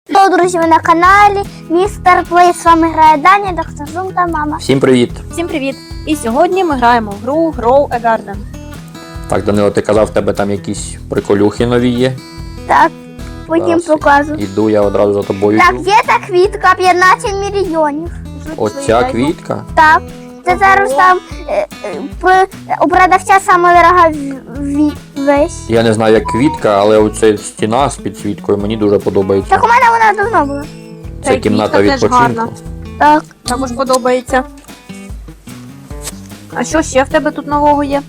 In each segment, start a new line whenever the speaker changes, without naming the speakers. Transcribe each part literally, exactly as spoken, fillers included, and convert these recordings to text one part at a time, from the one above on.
Hello, друзі, ви на каналі Містер Плей. З вами грає Даня, доктор Зум та мама.
Всім привіт!
Всім привіт! І сьогодні ми граємо в гру Grow a Garden.
Так, Данило, ти казав, в тебе там якісь приколюхи нові є.
Так, потім
Зараз
покажу.
Іду, я одразу за тобою
Так,
йду.
є та квітка п'ятнадцять мільйонів.
Оця квітка.
Так, це зараз там е, е, при- у продавця саме дорога в- ві- весь.
Я не знаю, як квітка, але оця стіна з підсвіткою мені дуже подобається.
Так у мене вона давно була.
Та
Це
й
кімната
квітка теж
відпочинку.
гарна.
Так,
Також подобається. А що ще в тебе тут нового є?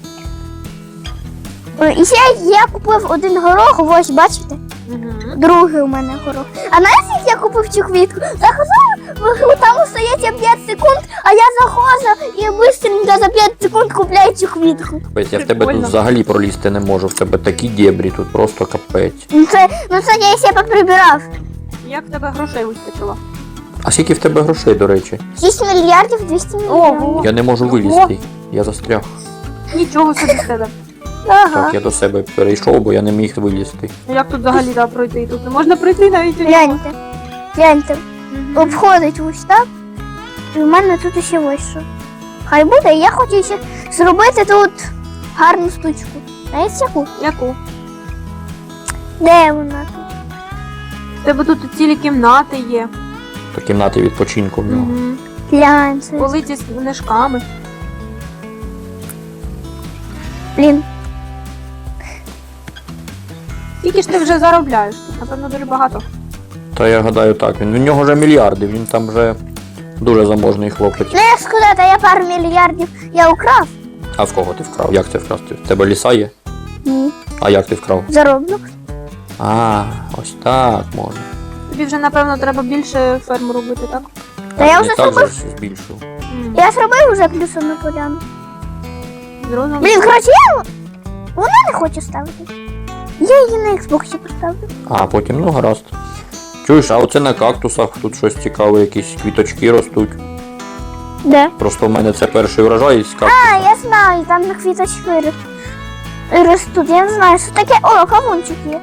Е, і ще я купив один горох, ось бачите?
Угу.
Другий у мене горох. А знаєте, як я купив цю квітку? Заходив, там остається п'ять секунд, а я заходжу і швидко за п'ять секунд купляю цю квітку.
Капець, я в тебе тут
Прикольно.
взагалі пролізти не можу. В тебе такі дєбрі, тут просто капець.
Ну це, ну це я себе прибирав.
Як в тебе грошей вистачило?
А скільки в тебе грошей, до речі?
шість мільярдів двісті мільйонів.
Ого!
Я не можу вилізти. Я застряг.
Нічого собі з тебе.
Ага.
Так, я до себе перейшов, бо я не міг вилізти.
А як тут взагалі да, пройти? Тут не можна пройти навіть. у нього.
Гляньте, гляньте,
Мгм.
обходить ось так. І в мене тут ще ось що. Хай буде, я хочу ще зробити тут гарну штучку. Знаєте яку?
Яку?
Де вона тут?
В тебе тут цілі кімнати є.
То кімнати відпочинку в нього.
Угу.
Гляньте.
Полиці з книжками.
Блін.
Скільки ж ти вже заробляєш? Тут, напевно, дуже багато.
Та я гадаю так, він. В нього вже мільярди, він там вже дуже заможний хлопець.
Ну як сказати, я пару мільярдів я украв.
А в кого ти вкрав? Як це вкрав? В тебе ліса є?
Ні.
А як ти вкрав?
Зароблю.
А, ось так можна.
Тобі вже, напевно, треба більше ферму робити, так?
Та я
не
вже
так же
зробив.
ж збільшив.
М.
Я зробив вже плюсом поляну.
Зрозуміло.
Блін, коротше, я вона не хоче ставити. Я її на Xbox поставлю.
А потім, ну гаразд. Чуєш, а оце на кактусах тут щось цікаве, якісь квіточки ростуть.
Де?
Просто в мене це перший врожай з кактуса.
А, я знаю, там на квіточки ри- ростуть. Я не знаю, що таке. О, кавунчик є.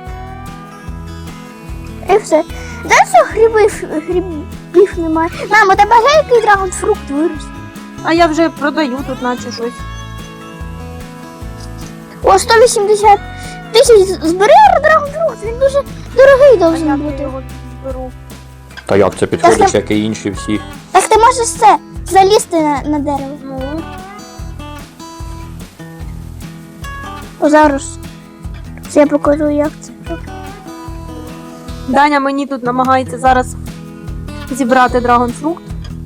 І все. Де що грибів, грибів немає? Мам, у тебе є який драгонфрукт вирос?
А я вже продаю тут, наче щось.
О, сто вісімдесят тисяч збери драгонфрукт, він дуже дорогий
А
должен
як я
бути.
його беру?
Та як це
Так,
підходиш,
я-
як і інші всі.
Так ти можеш це залізти на, на дерево.
Ну,
О, зараз. Це я покажу, як це. робити.
Даня мені тут намагається зараз зібрати драгонфрукт.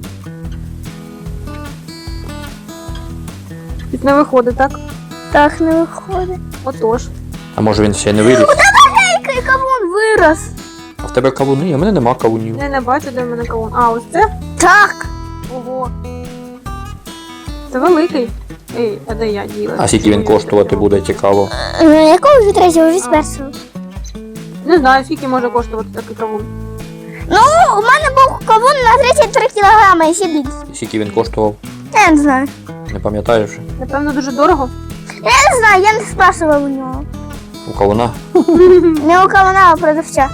Тут не виходить, так?
Так не виходить.
Отож.
А може він ще не виріс?
Який кавун вирос.
А в тебе кавуни? А в мене нема кавунів.
Я не бачу, де в мене кавун. А, ось це?
Так.
Ого. Це великий. Ей, а де я діла?
А скільки він коштувати буде, цікаво.
Е, Якого від третього від
А.
першого?
Не знаю, скільки може коштувати такий кавун.
Ну, у мене був кавун на тридцять три кілограми і ще більше.
Скільки він коштував?
Я не знаю.
Не пам'ятаєш?
Напевно, дуже дорого.
Я не знаю, я не спрашивав у нього.
У кавуна?
Не у кавуна, а у продавця.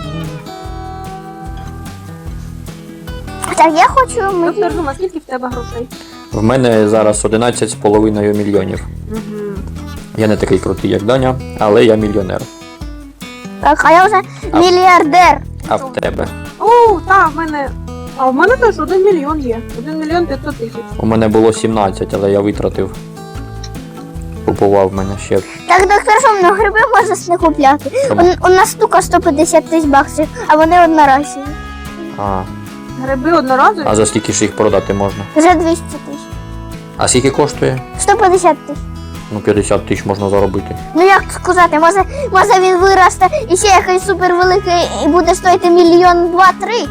Так, я хочу мені.
Доктор Зума, скільки в тебе грошей?
В мене зараз одинадцять з половиною мільйонів.
Угу.
Я не такий крутий, як Даня, але я мільйонер.
Так, а я вже
А.
мільярдер.
А в тебе?
О, так, в мене. А в мене теж один мільйон є. Один мільйон п'ятсот тисяч.
У мене було сімнадцять, але я витратив. Купував в мене ще.
Так, доктор Шум, ну гриби можна не купляти.
Чому?
У, у нас штука сто п'ятдесят тисяч баксів, а вони одноразові.
А,
Гриби одноразові?
а за скільки ж їх продати можна?
За двісті тисяч.
А скільки коштує?
сто п'ятдесят тисяч.
Ну п'ятдесят тисяч можна заробити.
Ну як сказати, може, може він виросте і ще якийсь супервеликий і буде стоїти мільйон два-три.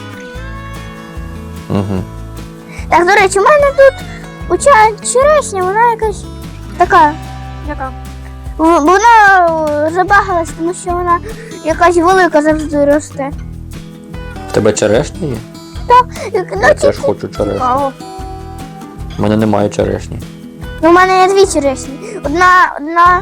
Угу.
Так, до речі, у мене тут у ча- черешня, вона якась така.
Яка?
в- Вона е, забагалась, тому що вона якась велика завжди росте.
В тебе черешня є?
Ну,
Я
ті-
теж хочу черешню.
Цікаво.
У мене немає черешні.
ну, у мене є дві черешні. Одна, одна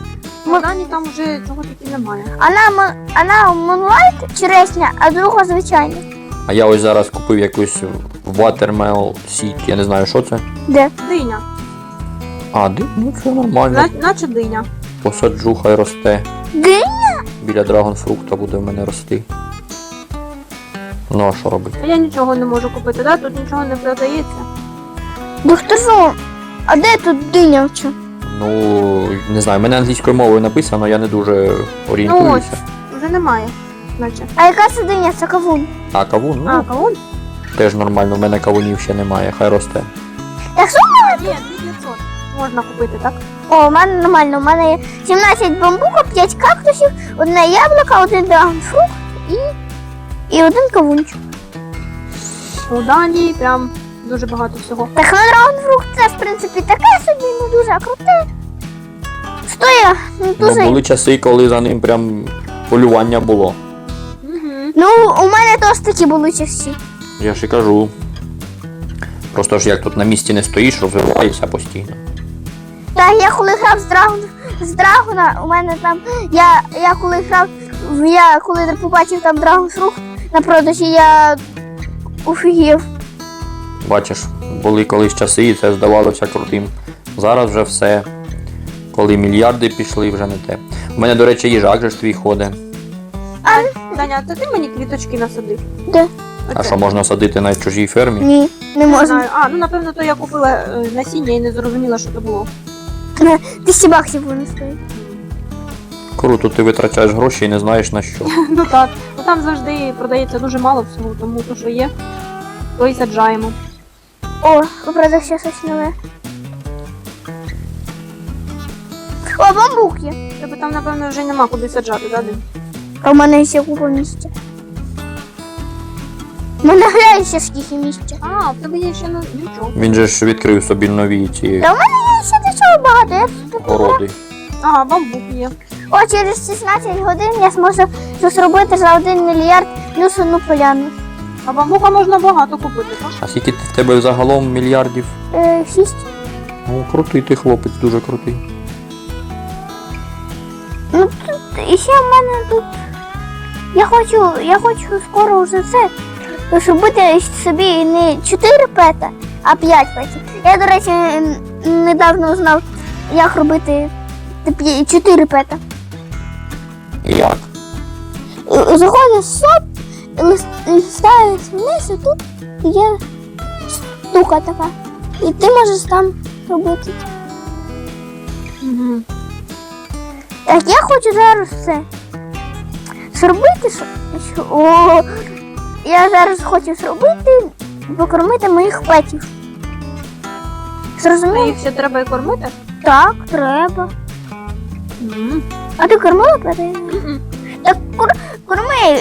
В Дані там вже цього таки немає.
Вона, мо- вона Moonlight черешня, а друга звичайна.
А я ось зараз купив якусь Watermelon Seed, я не знаю, що це.
Де?
Диня.
А, ди- ну це нормально.
На, наче диня.
Посаджу, хай росте.
Диня?
Біля драгонфрукта буде в мене рости. Ну а що робити?
А я нічого не можу купити, да? Тут нічого не продається.
Доктор Зо, а де тут диня вчу?
Ну, не знаю, в мене англійською мовою написано, я не дуже
Ну
орієнтуюся.
ось, вже немає. Наче.
А яка це диня? Це кавун.
А кавун? Ну,
А, кавун?
теж нормально, в мене кавунів ще немає, хай росте.
Якщо
Є, дві п'ятсот. Можна купити, так?
О, у мене нормально, у мене є сімнадцять бамбука, п'ять кактусів, одне яблуко, один драгонфрукт і, і один кавунчик.
У Данії прям дуже багато всього.
Так, ну драгонфрукт це, в принципі, таке собі, не дуже круте. Стоя, не
Ну,
дуже.
були часи, коли за ним прям полювання було.
Угу.
Ну, у мене теж такі були часи.
Я ж і кажу. Просто ж як тут на місці не стоїш, розвиваєшся постійно.
Так, я коли грав з Драгон, з Драгона, у мене там, я, я коли грав, я коли побачив там драгонфрукт на продажі, я офігів.
Бачиш, були колись часи, і це здавалося крутим. Зараз вже все. Коли мільярди пішли, вже не те. У мене, до речі, їжак же ж твій ходить.
Даня, це ти мені квіточки насадив?
Де?
А що можна садити на чужій фермі?
Ні, не
Не
можна.
знаю. А, ну напевно, то я купила е, насіння і не зрозуміла, що це було.
Тисячі баксів вони стоять.
Круто, ти витрачаєш гроші і не знаєш на що.
Ну так. Ну там завжди продається дуже мало всього, тому то, що є, то і саджаємо.
О, у продавця щось нове. О, бамбук є.
Тебе там, напевно, вже нема куди саджати, да, Дим?
А в мене ще купа місця. У мене глянь ще скільки місця.
А, в тебе є ще ну, нічого.
Він же ж відкрив собі нові ці
Та в мене є ще до чого багато. Я тут
городи.
Ага, бамбук є.
О, через шістнадцять годин я зможу це зробити за один мільярд плюс одну поляну.
А бамбука можна багато купити, так?
А скільки в тебе загалом мільярдів?
Е, шість.
Ну, крутий ти хлопець, дуже крутий.
Ну тут і ще в мене тут. Я хочу, я хочу скоро вже це зробити собі не чотири пета, а п'ять петів. Я, до речі, н- недавно узнав, як робити чотири пета.
І як?
Е, Заходиш в соп, лис- листаєш вниз, і тут є штука така. І ти можеш там робити.
Угу.
Так, я хочу зараз все зробити. що- що- О, я зараз хочу зробити, покормити моїх петів.
А
Зрозуміло?
їх ще треба і кормити?
Так, треба.
Угу.
А ти кормила петів? Так кор- корми.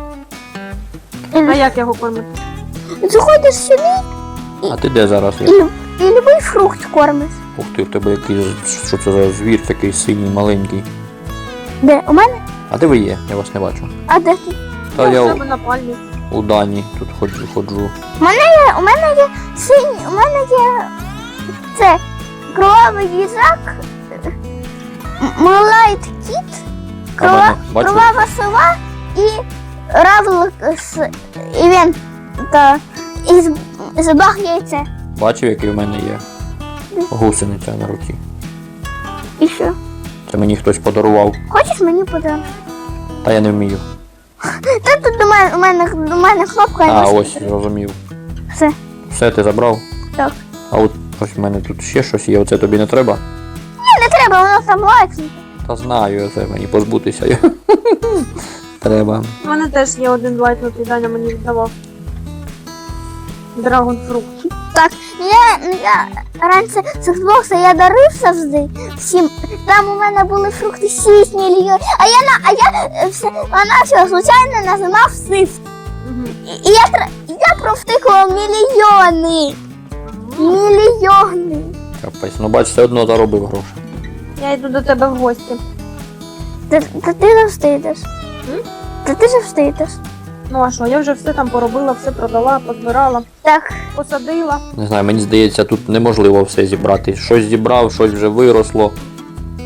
А як його кормити?
Заходиш сюди
А ти де зараз?
і, лю- і любий фрукт кормиш.
Ух ти, в тебе якийсь, що це за звір такий синій, маленький.
Де? У мене?
А де ви є? Я вас не бачу.
А де ти?
Та
Я
я
в
у,
себе на пальмі.
у Дані тут ходжу, ходжу.
У мене є, у мене є синій, у мене є це кровавий їжак, Moonlight кіт,
А
крова,
мене, бачу,
кровава сова і равлик з і він та і з, забаг яйце.
бачив, який в мене є. Гусениця на руці.
І що?
Це мені хтось подарував.
Хочеш мені подарунок?
Та я не вмію.
Та тут до мене, у мене, до мене кнопка. я
А,
можу-
ось, зрозумів.
Все,
Все, ти забрав?
так.
А от ось в мене тут ще щось є, оце тобі не треба?
Ні, не треба, воно там лайкнути.
Та знаю, це мені позбутися. Треба.
У мене теж є один лайтнутий, Даня мені віддавав. Драгонфрукт.
Так, я, я раніше з Xbox я дарив завжди всім. Там у мене були фрукти шість мільйонів. А я на а я е, все вона все случайно нажимав сиф.
Угу.
І, і я тр- я провтикував мільйони. Мільйони.
Капець. Ну бач, все одно заробив гроші.
Я йду до тебе в гості.
Та, та ти завжди йдеш.
М?
Та ти завжди йдеш.
Ну а що, я вже все там поробила, все продала, позбирала,
Так,
посадила.
Не знаю, мені здається, тут неможливо все зібрати. Щось зібрав, щось вже виросло.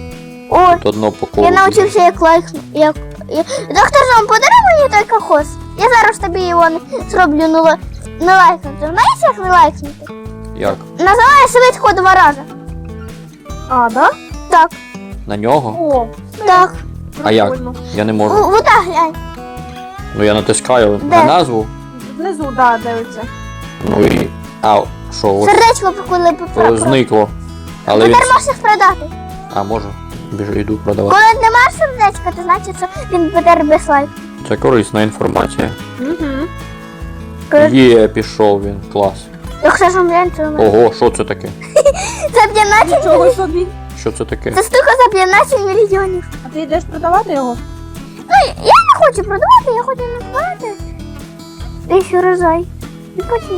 О,
Тут одно по колу.
я навчився як лайкну. Як... я- Доктор Жом, подаруй мені той кокос. Я зараз тобі його не- зроблю не, лай- не лайкнути. Знаєш, як не лайкнути?
Як?
Називається швидко два рази.
А, да?
Так,
На нього?
О,
так.
А як?
прикольно.
Я не
У,
можу.
вода глянь.
Ну я натискаю
Де?
на назву.
Внизу, да, дивиться.
Ну і. А, що, ось
Сердечко коли
е,
попро.
зникло. Але він.
Тепер можеш їх продати.
А, можу. Біжу, йду продавати.
Коли немає сердечка, то значить, що він буде без лайку.
Це корисна інформація.
Угу.
Коли-
Є, пішов він. Клас.
Якщо ж глянь, то ми-
Ого, що це таке?
це п'ятнадцять
Нічого
мільйонів.
собі.
Що це таке?
Це штука за п'ятнадцять мільйонів.
А ти йдеш продавати його?
Ну, я не хочу продавати, я хочу назвати. Десь урожай. І потім.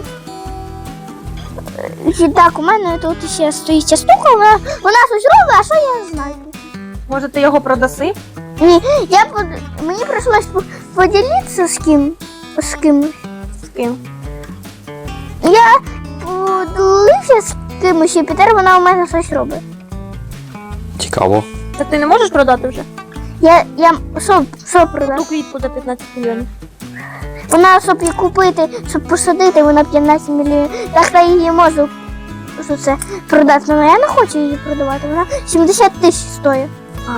І так, у мене тут ще стоїть ця штука, вона, вона щось робить, а що я знаю?
Може ти його продаси?
Ні, я под... мені прийшлось по- поділитися з ким. З кимось.
З ким?
Я поділився з кимось, і тепер вона у мене щось робить.
Цікаво.
Та ти не можеш продати вже?
Я, я, що, що продати?
Ту квітку за п'ятнадцять мільйонів.
Вона, щоб її купити, щоб посадити, вона п'ятнадцять мільйонів. Так я її можу що це, продати, але я не хочу її продавати. Вона сімдесят тисяч стоїть.
А.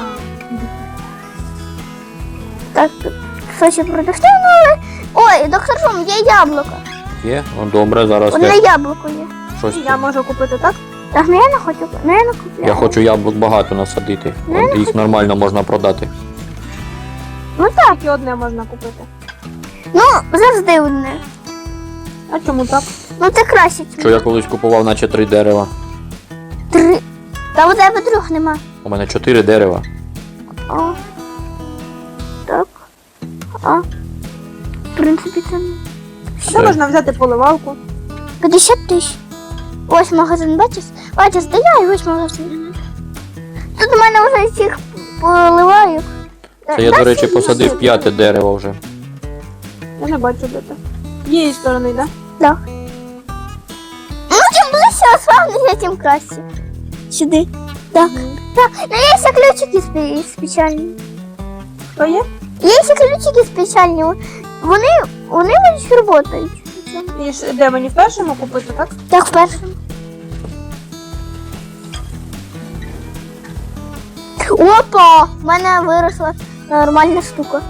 Так, хочу продати, ну але... Ой, доктор Шум, є яблуко.
Є? Ну добре, зараз
Одне
я
яблуко є.
щось.
Я можу купити, так?
Так, ну я не хочу, ну я не купляю.
Я хочу яблук багато насадити.
Не,
От їх нормально можна продати.
Ну так,
Тільки одне можна купити.
ну завжди одне.
А чому так?
Ну це краще. ніж
Що я колись купував, наче три дерева.
Три. Та у тебе трьох нема.
У мене чотири дерева.
О. Так. А. В принципі, це не.
Це
Все.
можна взяти поливалку.
п'ятдесят тисяч. Ось магазин, бачиш? Бачиш, де я і ось магазин. Тут у мене вже всіх поливаю.
Це я, до речі, посадив п'яте дерево вже.
Я не бачу, де ти. З її сторони, так?
Так. Ну, чим ближче ославнися, тим краще. Сюди. Так. Так. Ну, є ще ключики спе- спеціальні.
Що є?
Є ще ключики спеціальні. Вони, вони вони працюють.
І ж- де мені в першому купити, так?
Так, в першому. Опа! В мене виросла нормальна штука.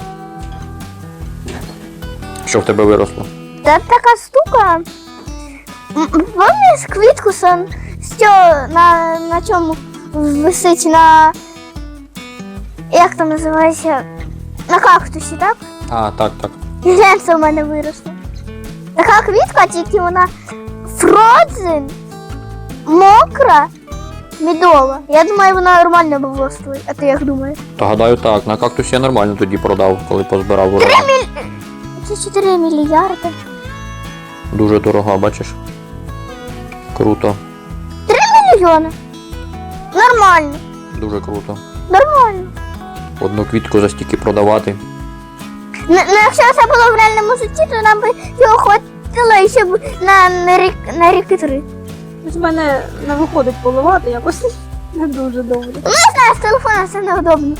Що в тебе виросло?
Це така штука. М, Пам'ятаєш квітку сон, що на, на чому висить на. Як там називається? На кактусі, так?
А, так, так.
І глянь, це в мене виросло. Така квітка, тільки вона фродзен, мокра, медова. Я думаю, вона нормально б стоїть. А ти як думаєш?
Та гадаю так, на кактусі я нормально тоді продав, коли позбирав урожай.
Це чотири мільярди.
Дуже дорога, бачиш? Круто.
Мільйони. Нормально.
Дуже круто.
Нормально.
Одну квітку за стільки продавати.
Ну, ну, якщо це було в реальному житті, то нам би його хватило ще б на, на, рік, на ріки три.
Ось в мене не виходить поливати якось не дуже добре.
Ну, я знаю, з телефона це неудобно.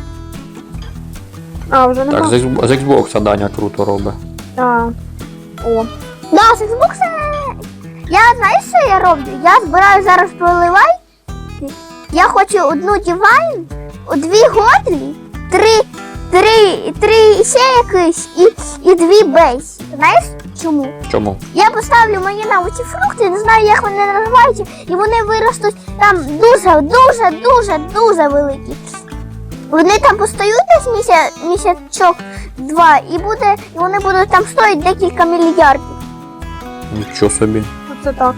А, вже нема?
Так, з Xbox- з Xbox Даня круто робить.
А. О.
Да, з Xbox. Я знаєш, що я роблю? Я збираю зараз проливай. Я хочу одну дівайн, дві годлі, три, три, три ще якісь і, і дві бейс. Знаєш чому?
Чому?
Я поставлю мої на оці фрукти, не знаю, як вони називаються, і вони виростуть там дуже, дуже, дуже, дуже великі. Вони там постоють десь місяць, місячок два, і буде, і вони будуть там стоїти декілька мільярдів.
Нічого собі.
Оце так.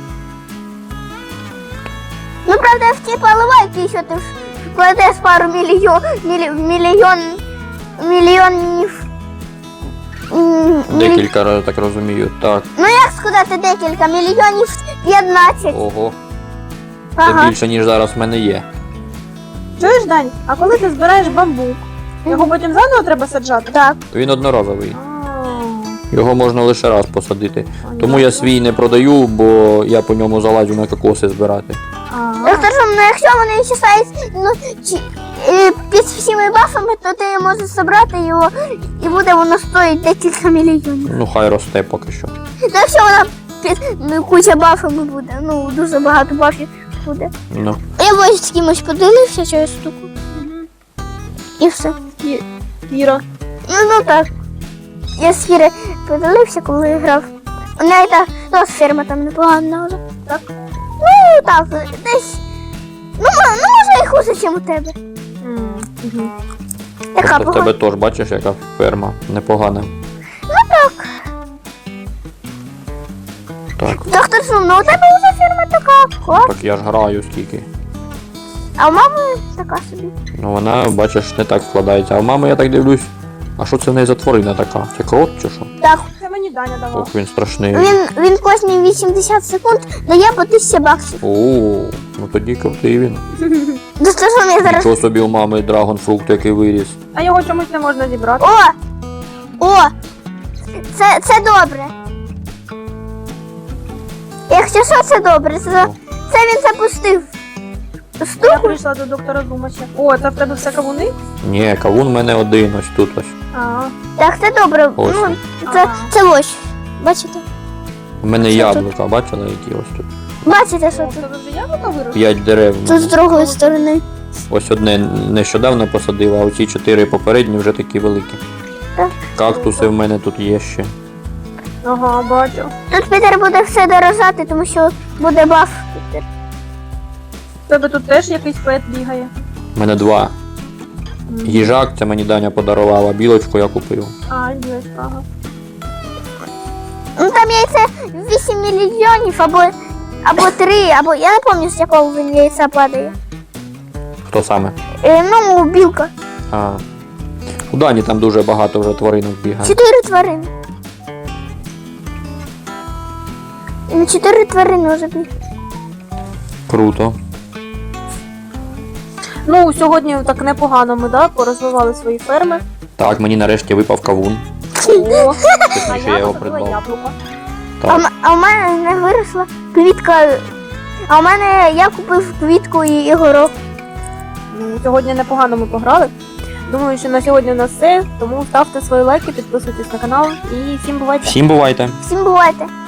Ну, правда, в ті поливайки, що ти вкладеш пару мільйон, мілі, мільйон, мільйонів. м, мілі-
Декілька разів, так розумію. Так.
Ну, як сказати декілька, мільйонів п'ятнадцять.
Ого. Це
Ага.
більше, ніж зараз в мене є.
Чуєш, Дань, а коли ти збираєш бамбук, його потім заново треба саджати?
Так.
Він одноразовий.
А,
Його можна лише раз посадити. Тому я свій не продаю, бо я по ньому залазю на кокоси збирати.
А,
Доктор, що, ну, якщо вони чесають ну, чи, е, під всіми бафами, то ти можеш забрати його і буде воно стоїть декілька мільйонів.
Ну хай росте поки що.
Ну, якщо вона під ну, куча бафами буде, ну дуже багато бафів буде.
Ну.
Я ось з кимось поділився через штуку. І все.
Кі- Кіра.
Ну, ну так. Я з Кіри поділився, коли грав. У неї та ну, ферма там непогана. але Так. Ну так, десь. Ну, мо- ну може і хуже, ніж у тебе.
М, мгм.
Яка
Просто в
погана.
тебе теж бачиш, яка ферма непогана.
Ну так.
Так,
Доктор Сум, ну у тебе вже ферма така. Клас.
так я ж граю скільки.
А у мами така собі.
Ну вона, бачиш, не так складається. А в мами я так дивлюсь. А що це в неї за тварина така? Це крот чи що?
Так,
Це мені Даня давав.
Ох, він страшний.
він, він кожні вісімдесят секунд дає по тисячі баксів.
О, ну тоді крутий він.
Доктор Сум, я зараз.
Нічого собі у мами драгонфрукт, який виріс.
А його чомусь не можна зібрати.
О! О! Це, це добре. Якщо що, це добре. Це, це він запустив.
Я
Штуку.
прийшла до доктора Зумача. О, це в тебе все кавуни?
Ні, кавун в мене один, ось тут ось.
А,
Так, це добре.
Ось
Ну,
він.
це,
Ага.
це ось. Бачите?
У мене
Що
яблука, бачила, які ось тут.
Бачите, що
о, в
тут?
тебе вже яблука виросли?
П'ять дерев. в
Тут
мене.
з другої сторони.
Ось одне нещодавно посадив, а оці чотири попередні вже такі великі.
Так.
Кактуси в мене тут є ще.
Ага, бачу.
Тут Пітер буде все дорожати, тому що буде баф. Пітер.
В тебе тут теж якийсь пет бігає.
У мене два.
М.
Їжак, це мені Даня подарував, а білочку я купив.
А, є, ага.
Ну там яйце вісім мільйонів або, або три, або я не пам'ятаю, з якого він яйця падає.
Хто саме?
Е, ну, білка.
А. У Дані там дуже багато вже тваринок бігає.
Чотири тварини. Він Чотири тварини вже біг.
Круто.
Ну, сьогодні так непогано ми, да, порозвивали свої ферми.
Так, мені нарешті випав кавун.
О, а
Точніше, я
я
його
посадила
придбав.
яблуко.
А,
Так.
м- а в мене не виросла квітка. А в мене я купив квітку і, і горох.
Ну, сьогодні непогано ми пограли. Думаю, що на сьогодні у нас все. Тому ставте свої лайки, підписуйтесь на канал і всім бувайте!
Всім бувайте!
Всім бувайте!